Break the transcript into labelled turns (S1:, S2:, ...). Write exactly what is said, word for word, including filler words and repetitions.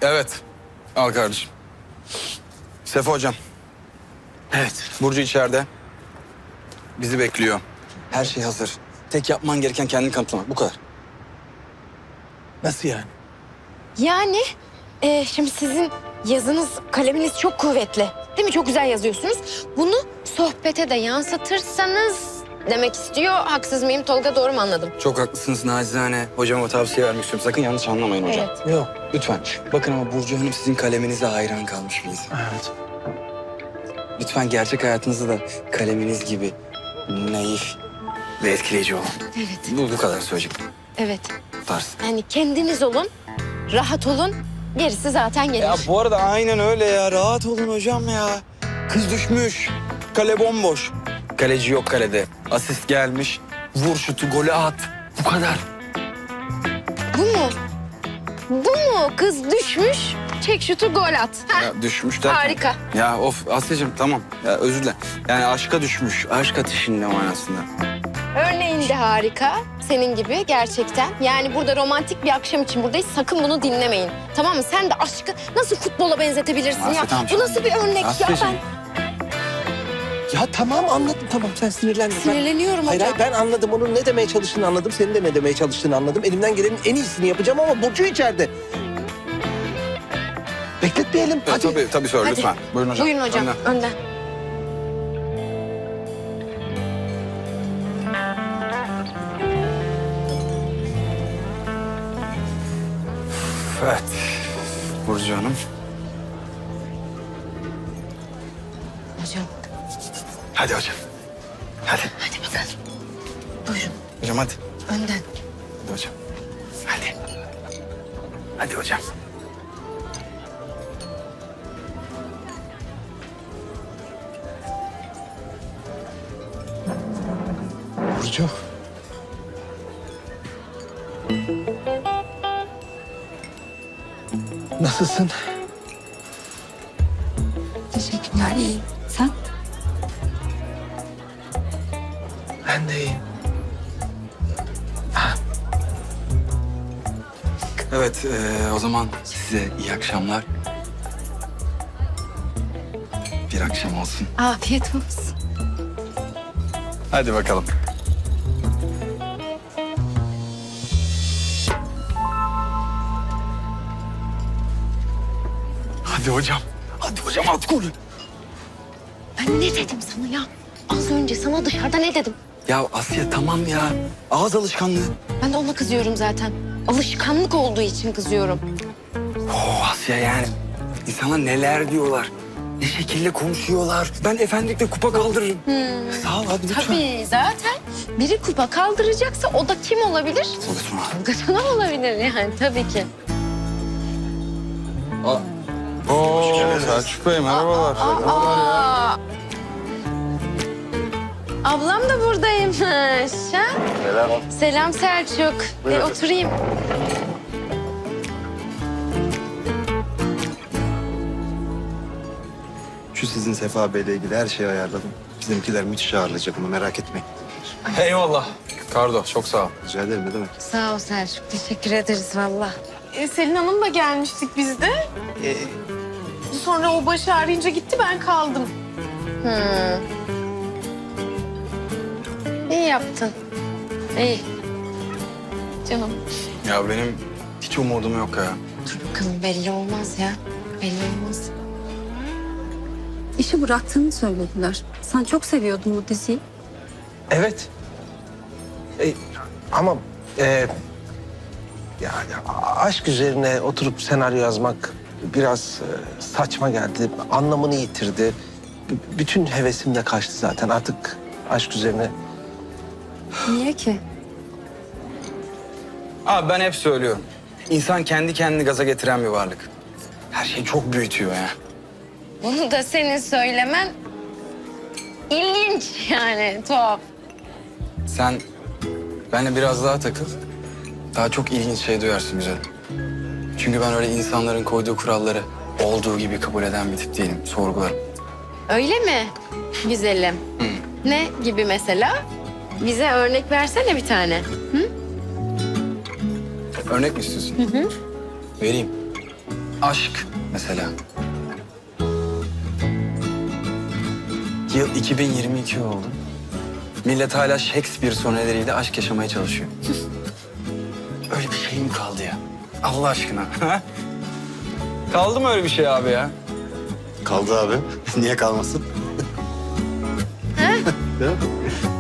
S1: Evet. Al kardeşim. Sefa hocam. Evet. Burcu içeride. Bizi bekliyor. Her şey hazır. Tek yapman gereken kendini kanıtlamak. Bu kadar.
S2: Nasıl yani?
S3: Yani e, şimdi sizin yazınız, kaleminiz çok kuvvetli. Değil mi? Çok güzel yazıyorsunuz. Bunu sohbete de yansıtırsanız demek istiyor. Haksız mıyım Tolga, doğru mu anladım?
S1: Çok haklısınız nacizane. Hocama tavsiye vermek istiyorum. Sakın yanlış anlamayın hocam.
S3: Evet.
S2: Yok.
S1: Lütfen. Bakın ama Burcu Hanım sizin kaleminize hayran kalmış bir insan.
S2: Evet.
S1: Lütfen gerçek hayatınızda da kaleminiz gibi naif ve etkileyici olun.
S3: Evet.
S1: Bu, bu kadar söyleyecek.
S3: Evet.
S1: Bu tarz.
S3: Yani kendiniz olun, rahat olun. Gerisi zaten gelir.
S1: Ya bu arada aynen öyle ya. Rahat olun hocam ya. Kız düşmüş. Kale bomboş. Kaleci yok kalede. Asist gelmiş. Vur şutu, golü at. Bu kadar.
S3: Bu mu? Bu mu? Kız düşmüş, çek şutu, gol at. Heh.
S1: Ya düşmüş derken.
S3: Harika.
S1: Ya of Asya'cığım tamam. Ya özür dilerim. Yani aşka düşmüş. Aşk ateşinde manasında.
S3: Örneğin de harika. Senin gibi gerçekten. Yani burada romantik bir akşam için buradayız. Sakın bunu dinlemeyin. Tamam mı? Sen de aşkı nasıl futbola benzetebilirsin
S1: Asya,
S3: ya?
S1: tamam,
S3: Bu nasıl bir örnek ya?
S1: Asya'cığım.
S3: Ben
S2: Ya tamam anladım tamam sen sinirlenme. Ben-
S3: sinirleniyorum
S2: Hayır
S3: hocam.
S2: hayır ben anladım onun ne demeye çalıştığını anladım. Senin de ne demeye çalıştığını anladım. Elimden gelenin en iyisini yapacağım ama Burcu içeride. Bekletmeyelim
S1: Ya,
S2: hadi.
S1: tabii tabii söyle
S3: Hadi.
S1: lütfen. Buyurun hocam.
S3: Buyurun hocam,
S1: Önden.
S3: önden.
S1: Evet. Burcu Hanım.
S3: Hocam,
S1: Hadi hocam. Hadi.
S3: hadi bakalım. Buyurun,
S1: Hocam hadi.
S3: önden.
S1: Hadi hocam. Hadi. Hadi hocam.
S2: Burcu. Nasılsın?
S4: Teşekkürler, iyiyim. Sen?
S2: Ben de iyiyim.
S1: Evet eee, o zaman size iyi akşamlar. Bir akşam olsun.
S4: Afiyet olsun.
S1: Hadi bakalım. Hadi hocam. Hadi hocam at golü.
S3: Ben ne dedim sana ya? Az önce sana dışarıda ne dedim?
S1: Ya Asya tamam ya. Ağız alışkanlığı.
S3: Ben de ona kızıyorum zaten. Alışkanlık olduğu için kızıyorum.
S1: Oh Asya yani. İnsanlar neler diyorlar. Ne şekilde konuşuyorlar. Ben efendilikle kupa kaldırırım. Sağ ol hadi lütfen.
S3: Tabii zaten biri kupa kaldıracaksa o da kim olabilir?
S1: Lütfen.
S3: Gatana olabilir yani tabii ki.
S1: Oo Selçuk Bey merhabalar.
S3: Aa! Ablam da buradaymış. Ha?
S5: Selam.
S3: Selam Selçuk. E, oturayım.
S5: Şu sizin Sefa Bey'le ilgili her şeyi ayarladım. Bizimkiler müthiş ağırlayacak bunu merak etmeyin.
S1: Eyvallah. Kardo çok sağ ol.
S5: Rica ederim ne demek.
S3: Sağ ol Selçuk. Teşekkür ederiz valla.
S6: E, Selin Hanım'la gelmiştik biz de. E, sonra o başı arayınca gitti, ben kaldım.
S3: Hmm. İyi yaptın. İyi.
S6: Canım.
S1: Ya benim hiç umudum yok ya.
S3: Dur bakalım, belli olmaz ya. Belli olmaz.
S4: İşi bıraktığını söylediler. Sen çok seviyordun bu diziyi.
S2: Evet. E, ama e, yani aşk üzerine oturup senaryo yazmak biraz e, saçma geldi. Anlamını yitirdi. B- bütün hevesim de kaçtı zaten. Artık aşk üzerine
S4: Niye ki?
S1: Abi ben hep söylüyorum. İnsan kendi kendini gaza getiren bir varlık. Her şeyi çok büyütüyor ya.
S3: Bunu da senin söylemen ilginç yani, tuhaf.
S1: Sen benimle biraz daha takıl. Daha çok ilginç şey duyarsın güzelim. Çünkü ben öyle insanların koyduğu kuralları olduğu gibi kabul eden bir tip değilim. Sorgularım.
S3: Öyle mi güzelim? Ne gibi mesela? Bize örnek versene bir tane.
S1: Örnek mi istiyorsun? Hı hı. Vereyim. Aşk mesela. Yıl iki bin yirmi iki oldu. Millet hala Shakespeare soneleriyle aşk yaşamaya çalışıyor. Öyle bir şey mi kaldı ya? Allah aşkına. Kaldı mı öyle bir şey abi ya?
S5: Kaldı abi. Niye kalmasın? Değil mi?